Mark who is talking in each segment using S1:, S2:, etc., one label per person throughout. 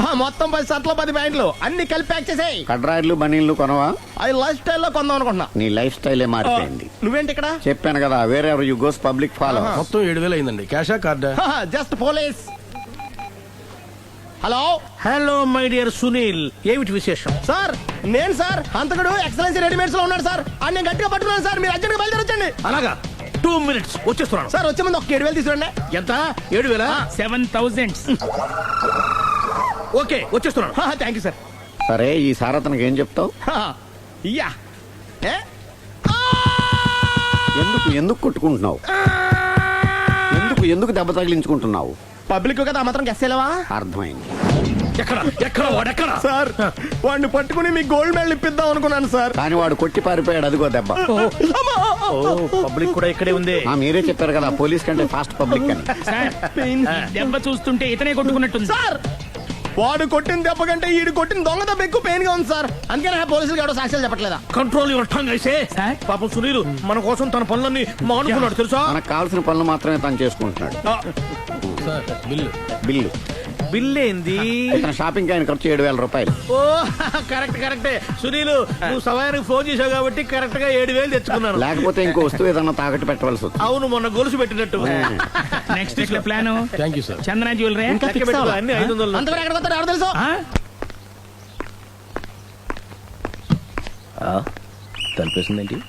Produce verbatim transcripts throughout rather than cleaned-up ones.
S1: మొత్తం పది షర్ట్లు పది ప్యాంట్లు అన్ని కలిపి ప్యాక్ చేసేయ్.
S2: కడ్రాయిలు బనీళ్లు కొనవా?
S1: అది లైఫ్ స్టైల్లో కొందాం అనుకుంటున్నా.
S2: నీ లైఫ్ స్టైలే మారిపోయింది.
S1: నువ్వేంటి ఇక్కడ?
S2: చెప్పాను కదా, వేరే యు గోస్ పబ్లిక్ ఫాలో.
S3: మొత్తం ఏడు వేలు అయిందండి. క్యాషా కార్డా?
S1: Just police. Hello
S4: hello my dear Sunil, ఏమిటి విశేషం?
S1: సార్ నేను సార్ హంతకుడు ఎక్సలెన్సీ రెడీమేడ్స్ లో ఉన్నాడు సార్. అని నేను గట్టిగా పట్టుకున్నాను సార్. మీరు అర్జెంట్గా బయలుదేరొచ్చండి.
S4: అలాగా, టూ మినిట్స్ వచ్చేస్తున్నాను.
S1: సార్ వచ్చే ముందు ఒక ఏడు వేలు తీసుకురండి.
S4: ఎంత? ఏడు వేల
S5: సెవెన్ థౌసండ్.
S4: ఓకే, వచ్చేస్తున్నాను.
S1: Thank you sir.
S2: సరే, ఈ సారతనకి ఏం చెప్తావు?
S1: ఇయ్యా ఏ?
S2: ఎందుకు ఎందుకు కొట్టుకుంటున్నావు? ఎందుకు ఎందుకు దెబ్బ తగిలించుకుంటున్నావు?
S1: పబ్లిక్ కదా మాత్రం గెస్సేలవా?
S2: అర్థమైంది.
S4: ఎక్కడ ఎక్కడ వాడెక్కడ?
S1: సార్ వాడిని పట్టుకుని మీకు గోల్డ్ మెడల్ ఇప్పిద్దాం అనుకున్నాను సార్.
S2: కానీ వాడు కొట్టి పారిపోయాడు. అదిగో దెబ్బ.
S4: పబ్లిక్ కూడా ఇక్కడే ఉంది.
S2: ఆ, మీరే చెప్పారు కదా పోలీస్ కంటే ఫాస్ట్ పబ్లిక్ అని.
S5: సార్, ఈ దెబ్బ చూస్తుంటే ఇతనే కొట్టుకున్నట్టుంది.
S1: సార్ వాడు కొట్టిన దెబ్బ కంటే ఈడు కొట్టిన దొంగ దెబ్బ ఎక్కువ పెయిన్ గా ఉంది సార్. అందుకనే పోలీసులు ఎవడో సాక్ష్యాలు చెప్పట్లేదా?
S4: కంట్రోల్ యువర్ టంగ్ అయితే. పాపం సునీల్ మన కోసం తన పనులన్నీ మానుకున్నాడు తెలుసా?
S2: మనకు కావాల్సిన పనులు మాత్రమే తను చేసుకుంటున్నాడు.
S3: బిల్లు
S2: బిల్లు
S4: బిల్ ఏంది?
S2: ఇతను షాపింగ్ ఆయన ఖర్చు ఏడు వేల రూపాయలు.
S4: ఓ కరెక్ట్ కరెక్టే. సునీల్ నువ్వు సమయానికి ఫోన్ చేసావు కాబట్టి కరెక్ట్ గా ఏడు వేలు తెచ్చుకున్నాను.
S2: లేకపోతే ఇంకో వస్తువు ఏదన్నా తాకట్టు పెట్టవలసి వస్తుంది.
S4: అవును, మొన్న గొలుసు పెట్టినట్టు.
S5: నెక్స్ట్ వీక్ లో plan
S3: thank you sir.
S5: Chandana jewellery.
S4: అన్ని ఐదు వందలు.
S1: అంతవరకు ఎక్కడ పోతాడు ఎవరు తెలుసు?
S6: తలిపేసిందేంటి?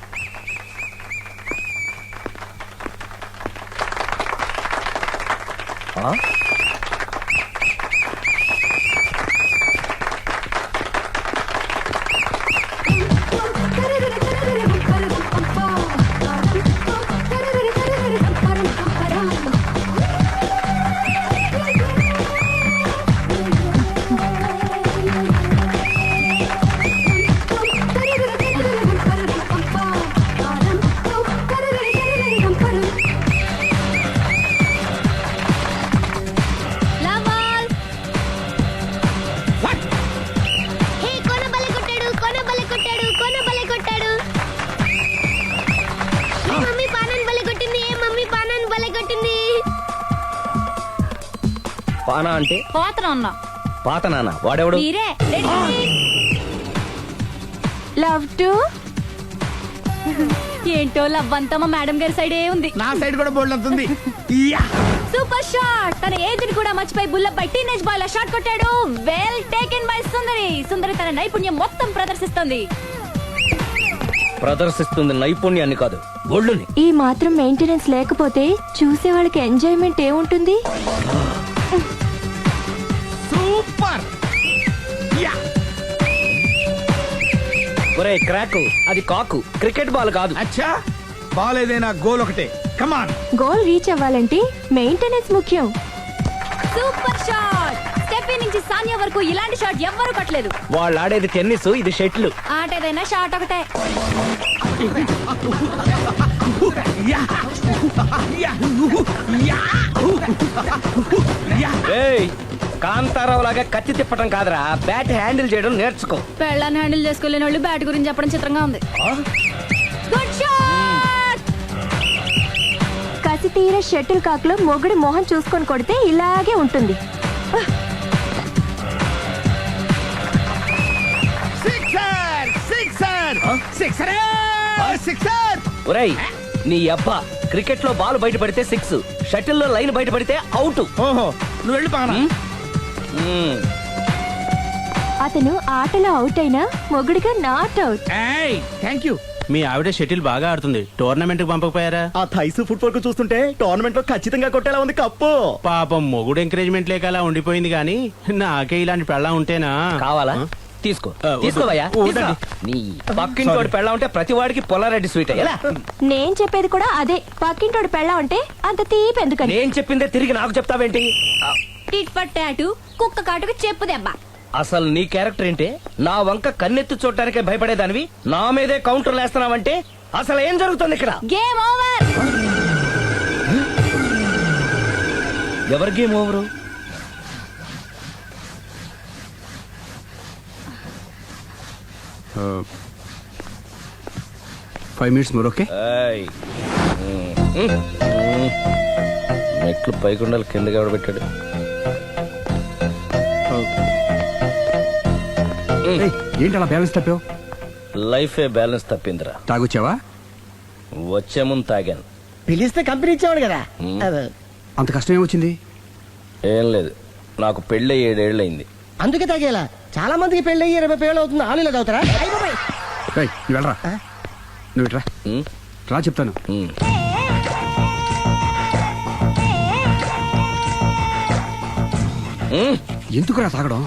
S6: పానా అంటే
S7: పోతనన్నా.
S6: పాత నాన్న వాడెవడు?
S7: మీరే. లవ్ టు ఏంటో లవ్ అంతా మా మేడం గారి సైడే ఉంది.
S1: నా సైడ్ కూడా బోల్డ్ అవుతుంది.
S7: Super shot. తన ఏజ్ ని కూడా మర్చిపోయి బుల్లపై టీనేజ్ బాయ్ లా షాట్ కొట్టాడు. Well taken by Sundari. Sundari తన నైపుణ్యం మొత్తం ప్రదర్శిస్తుంది.
S6: ప్రదర్శిస్తుంది నైపుణ్యాన్ని కాదు, ఒళ్ళుని.
S7: ఈ మాత్రం మెయింటెనెన్స్ లేకపోతే చూసే వాళ్ళకి ఎంజాయ్మెంట్ ఏముంటుంది?
S1: సూపర్.
S6: ఒరే క్రాక్, అది కాకు, క్రికెట్ బాల్ కాదు.
S1: అచ్చా, బాల్ ఏదైనా గోల్ ఒకటే. కమాన్.
S7: గోల్ రీచ్ అవ్వాలంటే మెయింటెనెన్స్ ముఖ్యం. Super shot. స్టెఫీ నుంచి సానియా వరకు ఇలాంటి షాట్ ఎవ్వరూ కొట్టలేదు.
S6: వాళ్ళు ఆడేది టెన్నిస్, ఇది షటిల్.
S7: ఆట ఏదైనా షాట్ ఒకటే.
S6: ఏయ్, కాంతారావు లాగా కత్తి తిప్పటం కాదురా, బ్యాట్ హ్యాండిల్ చేయడం నేర్చుకో.
S7: పెళ్ళాన్ని హ్యాండిల్ చేసుకోలేని వాళ్ళు బ్యాట్ గురించి చెప్పడం చిత్రంగా ఉంది. Good shot. కసి తీర షటిల్ కాక్ లో మొగుడి మొహం చూసుకొని కొడితే ఇలాగే ఉంటుంది.
S1: Sixer sixer sixer sixer.
S6: ఒరేయ్ నీ అబ్బా, క్రికెట్ లో బాల్ బయట పడితే సిక్స్, షటిల్ లో లైన్ బయట పడితే అవుట్.
S1: ఓహో, నువ్వు వెళ్ళి పానా.
S7: అతను ఆటలో అవుట్ అయినా మొగుడిగా నాట్ అవుట్.
S4: Thank you. మీ ఆవిడ షటిల్ బాగా ఆడుతుంది, టోర్నమెంట్ కి పంపకపోయారా?
S1: ఆ థైస్ ఫుట్బాల్ కు చూస్తుంటే టోర్నమెంట్ లో ఖచ్చితంగా కొట్టేలా ఉంది కప్పు.
S4: పాపం మొగుడు ఎంకరేజ్మెంట్ లేక అలా ఉండిపోయింది గానీ నాకే ఇలాంటి పెళ్ళా ఉంటేనా.
S6: కావాలా? తీసుకో
S4: ఆ, వద్దు.
S6: తీసుకోవయ్యా.
S4: వద్దండి.
S6: నీ పక్కింటోడి పెళ్ళ ఉంటే ప్రతి వాడికి పొలారెడ్డి స్వీట్. ఎలా?
S7: నేను చెప్పేది కూడా అదే. పక్కింటోడు పెళ్ళా ఉంటే అంత తీపి ఎందుకని?
S6: నేను చెప్పిందే తిరిగి నాకు చెప్తావేంటి?
S7: టిట్ ఫట్ టాటు, కుక్క కాటుకు చెప్పు దెబ్బ.
S6: అసలు నీ క్యారెక్టర్ ఏంటి? నా వంక కన్నెత్తి చూడటానికే భయపడేదానివి నా మీదే కౌంటర్ వేస్తున్నావంటే అసలు ఏం జరుగుతుంది ఇక్కడ?
S7: Game over.
S6: ఎవరి game over?
S3: Five minutes more. Okay,
S6: మెట్లు పైకుండాలి కిందకి ఎవడ పెట్టాడు?
S3: ఏయ్, ఏంటి అలా బ్యాలెన్స్ తప్పావు?
S6: లైఫే బ్యాలెన్స్ తప్పిందిరా.
S3: తాగొచ్చావా?
S6: వచ్చే ముందు తాగాను.
S1: పిలిస్తే కంపెనీ ఇచ్చేవాడు కదా. అదే.
S3: అంత కష్టం ఏమొచ్చింది?
S6: ఏం లేదు, నాకు పెళ్ళి ఏడేళ్ళు అయింది.
S1: అందుకే తాగేలా. చాలా మందికి పెళ్లి అయ్యి ఇరవై పేళ్ళు అవుతుంది. ఆలీలో తాగుతారా? అయ్ బాబోయ్.
S3: ఏయ్, నువ్వు వెళ్ళరా. నువ్వు ఇట్రా
S6: ఉమ్,
S3: రా చెప్తాను.
S6: ఉమ్. ఉమ్,
S3: ఎందుకురా తాగడం?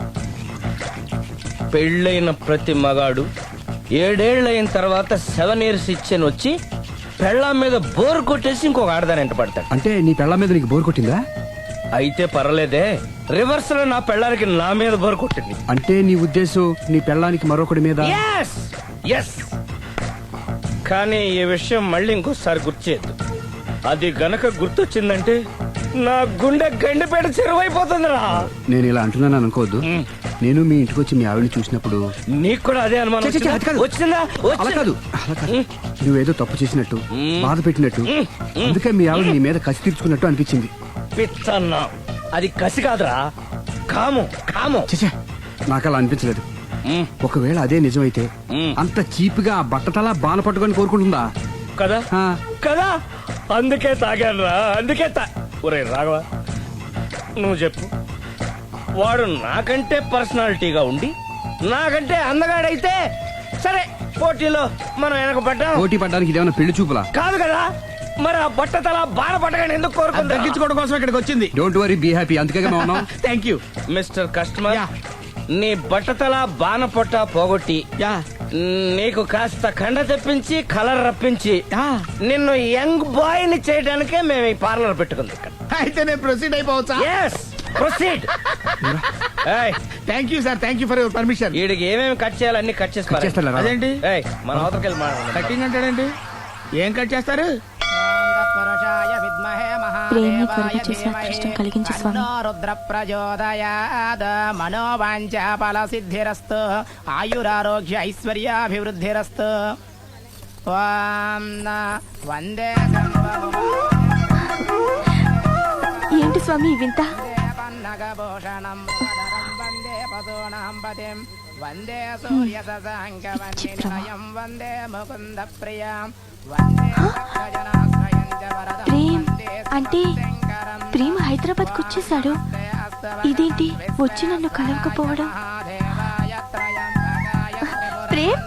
S6: పెళ్ళైన ప్రతి మగాడు ఏడేళ్ళైన తర్వాత సెవెన్ ఇయర్స్ ఇచ్చాను వచ్చి పెళ్ళాం మీద బోర్ కొట్టేసి ఇంకొక ఆడదాని ఎంట పడతాడు.
S3: అంటే నీ పెళ్ళ మీద నీకు బోర్ కొట్టిందా?
S6: అయితే పర్లేదే, రివర్స్ లో నా పెళ్ళానికి నా మీద బోర్ కొట్టింది.
S3: అంటే నీ ఉద్దేశం నీ పెళ్ళానికి మరొకటి మీద?
S6: ఎస్ ఎస్ కానీ ఈ విషయం మళ్ళీ ఇంకోసారి గుర్తు చేయొద్దు. అది గనక గుర్తొచ్చిందంటే నా గుండె గండిపేట చెరువైపోతుందిరా.
S3: నేను ఇలా అంటున్నాను అనుకోవద్దు. నేను మీ ఇంటికి వచ్చి మీ ఆవిడని చూసినప్పుడు
S6: నీకు కూడా అదే అనుమానం
S3: ఛే, ఛే, ఛే, అది కాదు.
S6: వచ్చిందా?
S3: అలా
S6: వచ్చిందా?
S3: కాదు అలా కాదు. నువ్వేదో తప్పు చేసినట్టు, బాధ పెట్టినట్టు, అందుకే మీ ఆవిడ నీ మీద కసి తీర్చుకున్నట్టు అనిపించింది.
S6: పిచ్చన్నా, అది కసి కాదురా, కాము కాము.
S3: చచ్చా, నాకు అలా అనిపించలేదు.
S6: మ్,
S3: ఒకవేళ అదే నిజమైతే
S6: మ్.
S3: అంత చీప్ గా బట్టతలా బాన పట్టుకొని కోరుకుంటుందా?
S6: కదా
S3: ఆ,
S6: కదా అందుకే తాగాను రా, అందుకే తా ఒరే రాఘవ, నువ్వు చెప్పు. వాడు నాకంటే పర్సనాలిటీగా ఉండి నాకంటే అందగాడైతే సరే, పోటీలో మనం వెనక పడ్డాం.
S3: పోటీ పడ్డానికి ఇదేమన్నా పెళ్లి చూపులా?
S6: కాదు కదా, మరి ఆ బట్ట తల బాణ పట్టగానే ఎందుకు కోరుకుంది?
S4: తగ్గించుకోవడం కోసం ఇక్కడికి వచ్చింది.
S3: Don't worry, be happy. అందుకే మేము ఉన్నాం.
S4: Thank you.
S6: Mister customer,
S4: yeah.
S6: నీ బట్టతల బాణ పొట్ట పోగొట్టి
S4: యా
S6: నీకు కాస్త కండ తెప్పించి కలర్ రప్పించి
S4: యా.
S6: నిన్ను యంగ్ బాయ్ ని చేయడానికే మేము ఈ పార్లర్ పెట్టుకుంది ఇక్కడ.
S4: అయితే నేను ప్రొసీడ్ అయిపోవచ్చా?
S6: Yes proceed.
S4: Thank you sir, thank you for your permission.
S6: వీడికి ఏమేమి కట్ చేయాలి అన్ని కట్ చేసి
S3: కట్
S6: పారేయ్.
S3: చేస్తారా?
S4: అదేంటి
S6: ఏయ్, మన అవతలకి వెళ్ళి మాట్లాడదాం.
S4: కటింగ్ అంటాడండి? ఏం కట్ చేస్తారు?
S7: ప్రేమి త్వరగా చేసి అదృష్టం కలిగించు స్వామి.
S8: రుద్ర ప్రచోదయాద్ మనోవాంఛ ఫల సిద్ధిరస్తు ఆయురారోగ్య ఐశ్వర్యాభివృద్ధిరస్తు. ఓం వందే
S7: ఏంటి స్వామి ఈ వింత?
S8: పన్నగభూషణం వందే పశూనాం పతిం వందే సూర్య శశాంకవన్నినయం వందే ముకుంద ప్రియం వందే భక్తజనాశ్రయం చ వరదం
S7: ప్రేమ్
S8: వందే
S7: అంటే
S8: శంకరం.
S7: ప్రేమ్ హైదరాబాద్ కు వచ్చేసాడు. ఇదేంటి వచ్చి నన్ను కలవకపోవడం? ప్రేమ్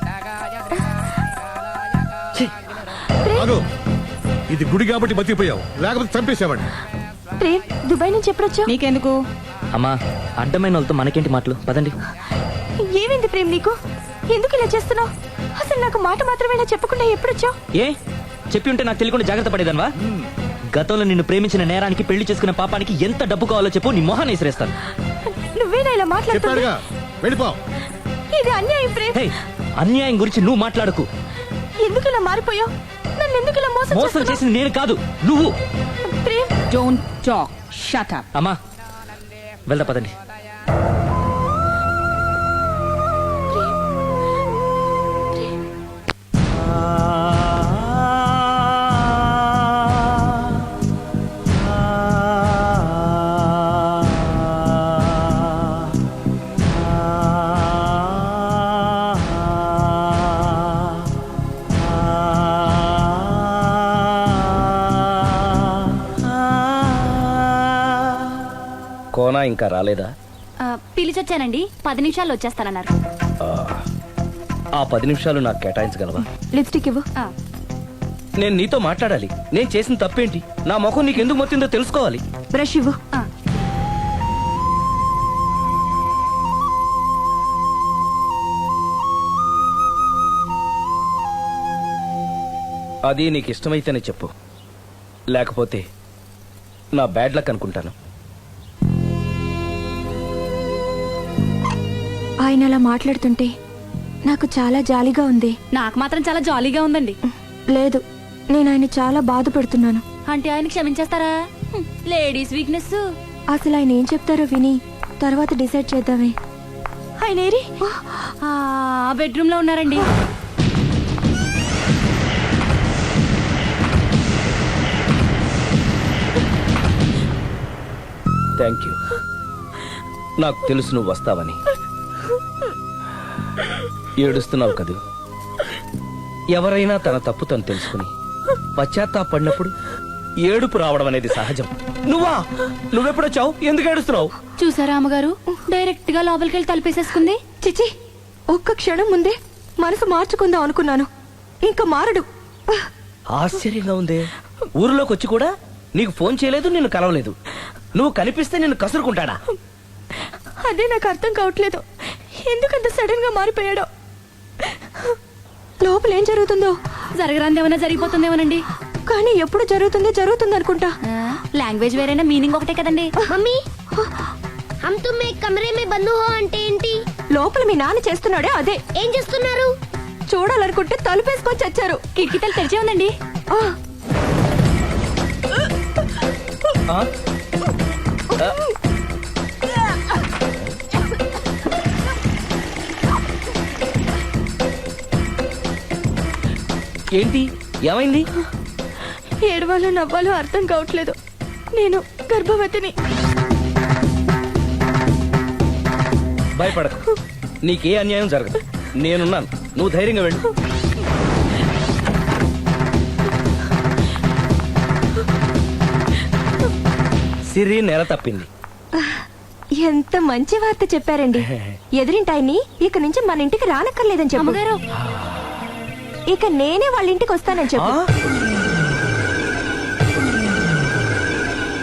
S4: అగో, ఇది గుడి కాబట్టి బతికిపోయావు, లేకపోతే చంపేసేవాడిని.
S7: ప్రేమ్ దుబాయ్ నుంచి ఎప్పుడొచ్చావు?
S9: నీకెందుకు
S6: అమ్మా, అడ్డమైన వాళ్ళతో మనకేంటి మాటలు, పదండి.
S7: ఏమైంది ప్రేమ్ నీకు? ఎందుకు ఇలా చేస్తున్నావు? అసలు నాకు మాట మాత్రమేనా చెప్పకుండా ఎప్పుడొచ్చావు?
S10: ఏ చెప్పి ఉంటే నాకు తెలియకుండా జాగ్రత్త పడేదన్వా? గతంలో నిన్ను ప్రేమించిన నేరానికి, పెళ్లి చేసుకున్న పాపానికి ఎంత డబ్బు కావాలో చెప్పు, నీ మొహాన్ని విసిరేస్తాను.
S7: నువ్వేనా ఇలా మాట్లాడుతున్నావు?
S4: చెప్పాడుగా, వెళ్ళిపో.
S7: ఇది అన్యాయం ప్రేమ్.
S10: హే, అన్యాయం గురించి నువ్వు మాట్లాడకు.
S7: ఎందుకు ఇలా మారిపోయావు? నన్ను ఎందుకు ఇలా మోసం
S10: మోసం
S7: చేస్తున్నావు?
S10: చేసింది నేను కాదు, నువ్వు.
S7: Prem
S9: don't talk, shut up.
S10: అమ్మా వెళ్దా పదండి.
S6: కోనా ఇంకా రాలేదా?
S7: పిలిచొచ్చానండి, పది నిమిషాల్లో వచ్చేస్తానన్నారు.
S6: ఆ పది నిమిషాలు నాకు కేటాయించగలవా?
S7: లిప్స్టిక్ ఇవ్వు.
S6: నేను నీతో మాట్లాడాలి. నేను చేసిన తప్పేంటి, నా ముఖం నీకు ఎందుకు మొత్తిందో తెలుసుకోవాలి.
S7: బ్రష్ ఇవ్వు.
S6: అది నీకు ఇష్టమైతేనే చెప్పు, లేకపోతే నా బ్యాడ్ లక్ అనుకుంటాను.
S7: ఆయన అలా మాట్లాడుతుంటే నాకు చాలా జాలీగా ఉంది.
S9: నాకు మాత్రం చాలా జాలీగా ఉందండి.
S7: లేదు, నేను ఆయన చాలా బాధపడుతున్నాను.
S9: అంటే ఆయన క్షమించేస్తారా? Ladies weakness.
S7: అసలు ఆయన ఏం చెప్తారో విని తర్వాత డిసైడ్ చేద్దామే. ఆయన ఏరి?
S9: ఆ బెడ్రూమ్ లో ఉన్నారండి.
S6: Thank you. నాకు తెలుసు నువ్వు వస్తావని. ఏడుస్తున్నావు కదూ. ఎవరైనా తన తప్పు తను తెలుసుకుని పశ్చాత్తాపడినప్పుడు ఏడుపు రావడం అనేది సహజం. నువ్వా నువ్వెప్పుడొచ్చావు? ఎందుకు ఏడుస్తున్నావు?
S9: చూసారా అమ్మగారు డైరెక్ట్ గా లోపలికి వెళ్ళి తలుపేసేసుకుంది.
S7: చిచి ఒక్క క్షణం ముందే మనసు మార్చుకుందాం అనుకున్నాను, ఇంకా మారడు.
S6: ఆశ్చర్యంగా ఉందే. ఊరిలోకి వచ్చి కూడా నీకు ఫోన్ చేయలేదు, నిన్ను కలవలేదు. నువ్వు కనిపిస్తే నిన్ను కసురుకుంటాడా?
S7: అదే నాకు అర్థం కావట్లేదు, ఎందుకంత సడన్ గా మారిపోయాడో. లోపల ఏం జరుగుతుందో,
S9: జరగరాందేమన్నా జరిగిపోతుందేమోనండి.
S7: కానీ ఎప్పుడు జరుగుతుంది జరుగుతుంది అనుకుంటా.
S9: లాంగ్వేజ్ వేరైనా మీనింగ్ ఒకటే కదండి.
S7: మమ్మీ
S9: హమ్ తుమ్ ఏక్ కమరే మే బంద్ హో అంటే ఏంటి?
S7: లోపల మీ నాన్న చేస్తున్నాడే అదే.
S9: ఏం చేస్తున్నారు?
S7: చూడాలనుకుంటే తలుపేసుకొని చచ్చారు.
S9: కిటికీ తలుపు తెరిచే ఉందండి.
S7: ఆ,
S6: ఆ? ఆ? ఏంటి ఏమైంది?
S7: ఏడవాలో నవ్వాలో అర్థం కావట్లేదు. నేను గర్భవతిని.
S6: భయపడకు, నీకే అన్యాయం జరగదు. నేనున్నాను, నువ్వు ధైర్యంగా వెళ్ళు. సిరి నెల తప్పింది.
S7: ఎంత మంచి వార్త చెప్పారండి. ఎదురింటాయన్ని ఇక నుంచి మన ఇంటికి రానక్కర్లేదని చెప్పు.
S9: అమ్మగారు
S7: ఇక నేనే వాళ్ళ ఇంటికి వస్తానని చెప్పు.
S6: ఆ?